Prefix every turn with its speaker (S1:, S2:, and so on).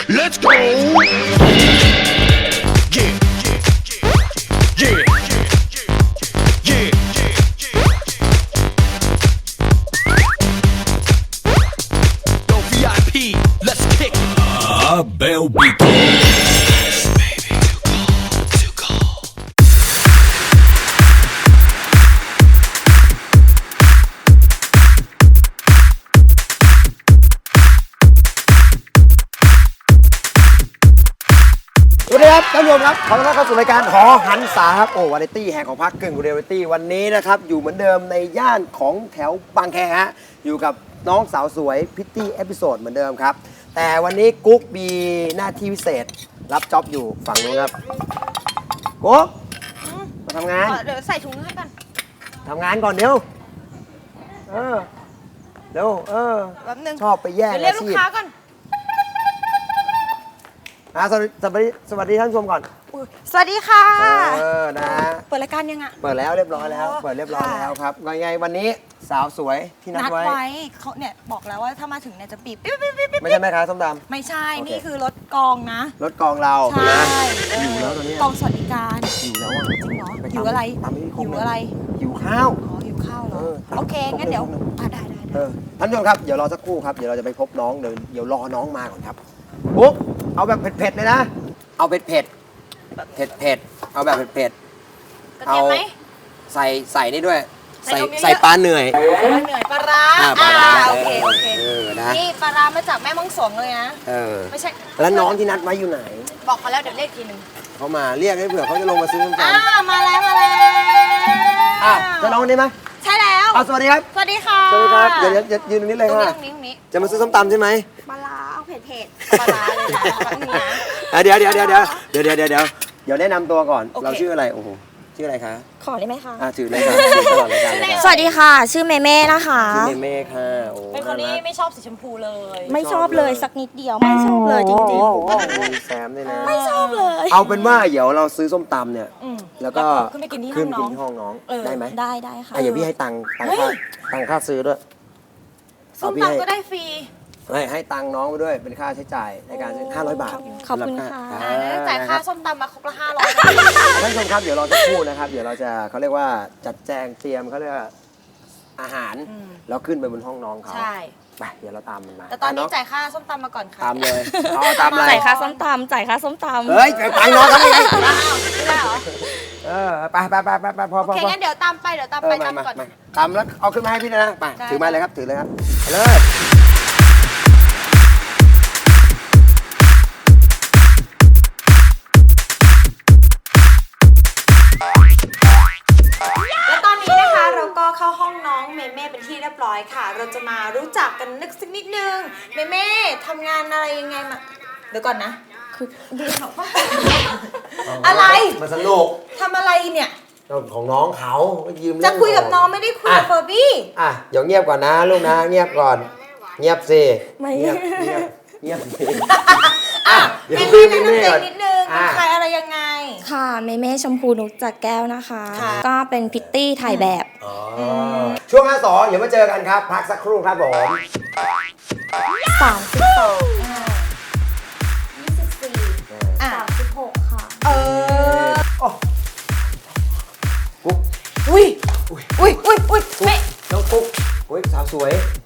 S1: Let's go. Yeah. Yeah. Yeah. Yo, VIP, let's kick. Abel Beats. Baby, too cold.
S2: สวัสดีครับท่านผู้ชมครับขอต้อนรับเข้าสู่รายการหอหันษาครับโอ้วาไรตี้แห่งของภาคกึ่งเรียลลิตี้วันนี้นะครับอยู่เหมือนเดิมในย่านของแถวบางแคฮะอยู่กับน้องสาวสวยพิตตี้เอพิโซดเหมือนเดิมครับแต่วันนี้กุ๊กมีหน้าที่พิเศษรับจ็อบอยู่ฝั่งนู้นครับกุ๊กมาทำงาน
S3: เดี๋ยวใส่ถุงให้ก่อน
S2: ทำงานก่อนเดี๋ยวเดี๋ยว
S3: แป๊บนึง
S2: ชอบไปแย่ง
S3: เดี๋ยวเรียก
S2: อา
S3: ลู
S2: ชี
S3: ก
S2: พ
S3: ค้าก่อน
S2: สวัสดีท่านผู้ชมก่อน
S3: อุ๊ยสวัสดีค่ะ
S2: นะ
S3: เปิดรายการยังอ่ะ
S2: เปิดแล้วเรียบร้อยแล้ว
S3: อ๋อ
S2: เปิดเรียบร้อย
S3: ค่ะ
S2: แล้วครับยังไงวันนี้สาวสวยที่นั
S3: นั
S2: ด
S3: ด
S2: ไว้
S3: ไว้เขาเนี่ยบอกแล้วว่าถ้ามาถึงเนี่ยจะปีบปิ๊บปิ๊บปิ๊บปิ๊บ
S2: ไม่ใช่แม่ค้าส้มต
S3: ไม่ใช่
S2: โอเค
S3: นี่คือรถกองนะ
S2: ำรถกองเรา
S3: ใช่
S2: นะ
S3: เออ
S2: หิวแล้วตอนเนี้ย
S3: กองสวัสดิการ
S2: หิวแล้วอ่ะ
S3: จริงเหรอ
S2: ป
S3: หิวอะไร
S2: ตามที่
S3: หิวอะไร
S2: หิวข้าว
S3: อ๋อหิวข้าวเหรอ
S2: เออ
S3: โอเคงั้นเดี๋ยว
S2: ครบเลย
S3: ได้
S2: ท่านผู้ชมครับเดี๋ยวรอสักครู่ครับเดี๋ยวเราจะไปพบน้องเดี๋ยวรอน้องมาก่อนครับปุ๊บเอาแบบเผ็ดๆเลยนะเอาเผ็ดเอาแบบเผ็ด
S3: กระเทียมไหม
S2: ๆใส่นี่ด้วย
S3: ใส่นมเยอะๆ
S2: ใส่ปลาเหนื่อย
S3: เหนื่อยปลาร้า
S2: ปลาร้า
S3: โอเคโอเค
S2: นะ
S3: นี่ปลาร้ามาจากแม่ม่องสงเลยนะ ไม่ใช่
S2: แล้วน้องที่นัดไว้อยู่ไหน
S3: บอกเขาแล้วเดี๋ยวเรียกทีนึง
S2: เขามาเรียกให้เผื่อเขาจะลงมาซื้อน้ำตาล
S3: มาแล้ว
S2: อ้าวจะน้องคนนี้ไหม
S3: ใช่แล้ว
S2: อ้าวสวัสดีครับ
S3: สวัสดีค่ะ
S2: สวัสดีครับเดี๋ยวยืนตรงนี้เลย
S3: ตรง
S2: ค่ะ
S3: นี้
S2: จะมาซื้อส้มตำใช่ไหม
S3: ปลาร้าเอาเผ็ดปลาร้าเลยนะแป๊บนึงนะ
S2: เดี๋ยวแนะนำตัวก่อน
S3: โอเค
S2: เราชื่ออะไรโอ้โหชื่ออะไรคะ
S4: ขอได้ไหมคะ
S2: ถือเลยค่ะถือตลอดรายการเลย
S4: สวัสดีค่ะ ชื่อเมเม่นะคะ
S2: ชื่อเมย์ค่ะโอ้
S3: เป็นคนที่ไม่ชอบสีชมพูเลย
S4: ไม่ชอบเลยสักนิดเดียว ไม่ชอบเลยจริง
S2: โอ้โหแซมด้วยนะ
S4: ๆ ไม่ชอบเลย
S2: เอาเป็นว่าเดี๋ยวเราซื้อส้มตำเนี่ย แล้วก็
S3: ขึ้นไปกินที่
S2: ขึ้น
S3: ห้อง
S2: กินที่ห้องน้อง
S3: เออ
S2: ได้ไหม
S4: ได้ค่ะ
S2: เดี๋ยวพี่ให้ตังค์ค่าซื้อด้วย
S3: ส้ม
S2: พี่
S3: ตำก็ได้ฟรี
S2: ให้ตังค์น้องไปด้วยเป็นค่าใช้จ่ายในการซื้อ500 บาท
S4: ขอบคุณค่ะ
S3: จ่ายค่าส้มตำมาครบละ500
S2: ท่านผู้ชมครับเดี๋ยวเราจะพูดนะครับเดี๋ยวเราจะเขาเรียกว่าจัดแจงเตรียมเขาเรียกว่าอาหารแล้วขึ้นไปบนห้องน้องเขา
S3: ใช่
S2: ไปเดี๋ยวเราตามมันมา
S3: แต่ตอนนี้
S2: ะ
S3: จ่ายค่าส้มตำมาก่อนค่ะ
S2: ตามเลยเอาตามอะไร
S4: จ่ายค่าส้มตำจ่ายค่าส้มตำ
S2: เฮ้ยไปน้องเขาไม่ไง
S3: อ้าวไม่ได้เหรอ
S2: ไปพอ
S3: โอเคงั้นเดี๋ยวตามไปตามก่อน
S2: ตามแล้วเอาขึ้นมาให้พี่นะไป
S3: ได้
S2: ถือมาเลยครับถือเลยครับไปเลย
S3: และตอนนี้นะคะเราก็เข้าห้องน้องเมเม่เป็นที่เรียบร้อยค่ะ เราจะมารู้จักกันสักนิดนึงเมเม่ทำงานอะไรยังไงมาเดี๋ยวก่อนนะคือดูหนอกว่าอะไร
S2: มาสนุก
S3: ทำอะไรเนี่ย
S2: ของน้องเขายืม
S3: จะคุยกับน้องไม่ได้คุยกับเฟอร์บี้
S2: เดี๋ยวเงียบก่อนนะลูกนะเงียบก่อนเงียบสิ
S4: ไม่
S2: เงียบสิ
S3: เมเม่แนะนำตัวเองนิดนึงเป็นใครอะไรยังไง
S4: ค่ะเมเม่ชมพูนุกจากแก้วนะคะ
S3: ค่ะ
S4: ก็เป็นพิตตี้ถ่ายแบบ
S2: ช่วง5-2เดี๋ยวมาเจอกันครับ พักสักครู่ครับผม
S4: 36ค่ะ
S3: เออ
S2: กุ๊ก
S3: อุ้ยเม
S2: น้องกุ๊กสาวสวย